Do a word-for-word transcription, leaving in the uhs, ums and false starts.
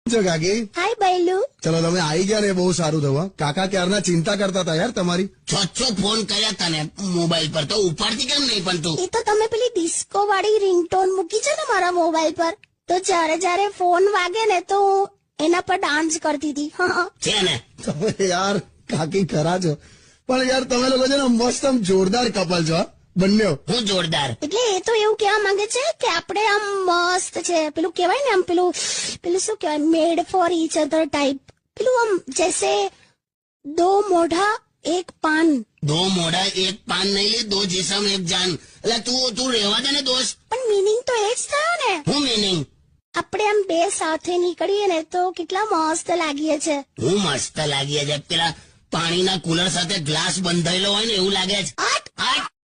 છો કાકી? હાય બૈલુ. ચલો તમે આવી ગયા ને એ બહુ સારું થયું. કાકા ક્યારના ચિંતા કરતા હતા યાર તમારી. છ છ ફોન કર્યા તને મોબાઈલ પર તો ઉપાડતી કેમ નહીં પણ તું? એ તો તમે પેલી ડિસ્કો વાળી રિંગટોન મૂકી છે ને મારા મોબાઈલ પર, તો જ્યારે જ્યારે ફોન વાગે ને તો એના પર ડાન્સ કરતી હતી. છે ને તમે યાર કાકી ખરા છો, પણ યાર તમે લોકો છે ને મસ્ત આમ જોરદાર કપલ છો બંને. હું જોરદાર એટલે એ તો એવું કહેવા માંગે છે કે આપણે આમ મસ્ત છે, પેલું કહેવાય ને આમ પેલું પેલું શું કહેવાય, made for each other type, પેલું આમ જેસે દો મોઢા એક પાન. દો મોઢા એક પાન નહીં લે, દો જીસમ એક જાન. એટલે તું તું રહેવા દે ને દોસ્ત. પણ મીનિંગ તો એ જ થયો ને. હું મીનિંગ? આપણે આમ બે સાથે નીકળીએ ને તો કેટલા મસ્ત લાગીએ છે. હું મસ્ત લાગીએ છે. પેલા પાણીના કુલર સાથે ગ્લાસ બંધાયેલો હોય ને એવું લાગે છે. આટ આટ